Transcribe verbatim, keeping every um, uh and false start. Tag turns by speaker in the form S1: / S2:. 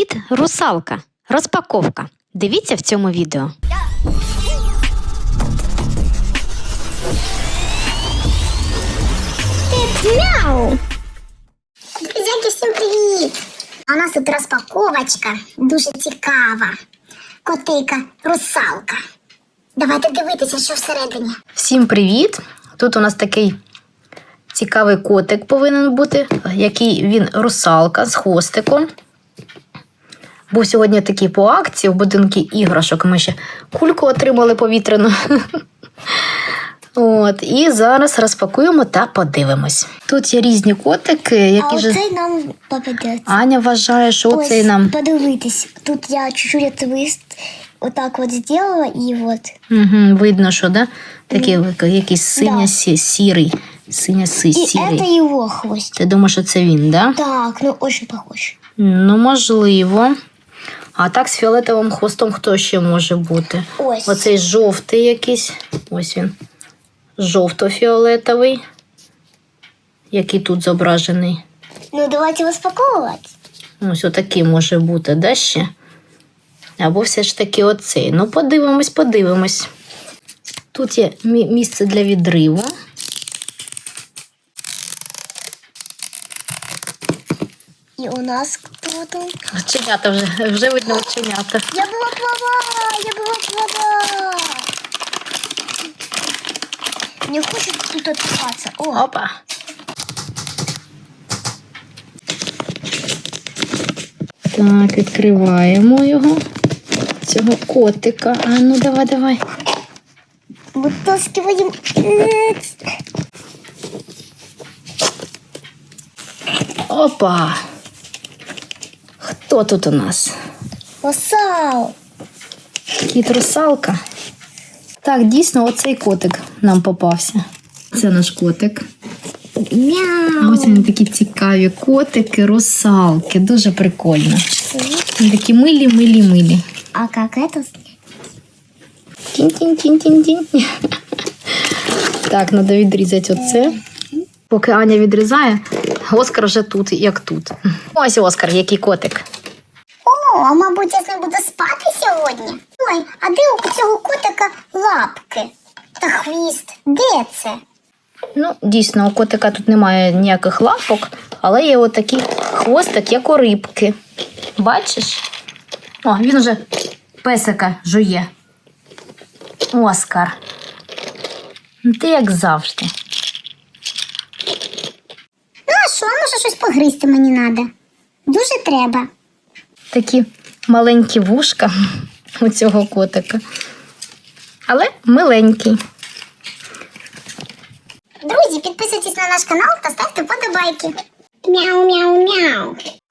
S1: Кіт русалка. Розпаковка. Дивіться в цьому відео.
S2: Мяу! Друзяки, всім привіт! А у нас тут розпаковочка дуже цікава. Котейка русалка. Давайте дивитися, що всередині.
S3: Всім привіт! Тут у нас такий цікавий котик повинен бути, який він русалка з хвостиком. Був сьогодні такий по акції в будинку іграшок. Ми ще кульку отримали повітряну. От, і зараз розпакуємо та подивимось. Тут є різні котики, які
S2: А
S3: ж...
S2: оцей нам попадеться.
S3: Аня вважає, що
S2: Ось,
S3: оцей нам...
S2: подивитись. Тут я чуть-чуть твист отак от зробила і от.
S3: Угу, видно, що, да? Такий якийсь синя-сірий. Синя-сірий.
S2: І це його хвост.
S3: Ти думаєш, що це він, да?
S2: Так, ну дуже похож.
S3: Ну, можливо. А так з фіолетовим хвостом хто ще може бути?
S2: Ось.
S3: Оцей жовтий якийсь. Ось він. Жовто-фіолетовий. Який тут зображений.
S2: Ну, давайте розпаковувати.
S3: Ось отакий може бути, да, ще? Або все ж таки оцей. Ну, подивимось, подивимось. Тут є місце для відриву.
S2: І у нас хто там?
S3: Оченята вже, вже видно оченята.
S2: Я була права, я була права. Не хочет тут открываться. О,
S3: Опа. Так, відкриваємо його. Цього котика. А ну давай, давай.
S2: вытаскиваем.
S3: Опа. Хто тут у нас?
S2: Русал.
S3: Кіт-русалка. Так, дійсно, оцей котик нам попався. Це наш котик.
S2: Мяу.
S3: Ось вони такі цікаві котики, русалки. Дуже прикольно. Вони такі милі, милі, милі.
S2: А как это?
S3: Тінь-тінь-тінь-тінь-тінь. Так, треба відрізати оце. Поки Аня відрізає, Оскар вже тут, як тут. Ось Оскар, який котик.
S2: О, а мабуть, я з ним буду спати сьогодні. Ой, а де у цього котика лапки та хвіст? Де це?
S3: Ну, дійсно, у котика тут немає ніяких лапок, але є отакий хвостик, як у рибки. Бачиш? О, він вже песика жує. Оскар. Ти як завжди.
S2: Ну а що, може щось погризти мені треба? Дуже треба.
S3: Такі маленькі вушка у цього котика. Але миленький.
S2: Друзі, підписуйтесь на наш канал та ставте подобайки. Мяу-мяу-мяу.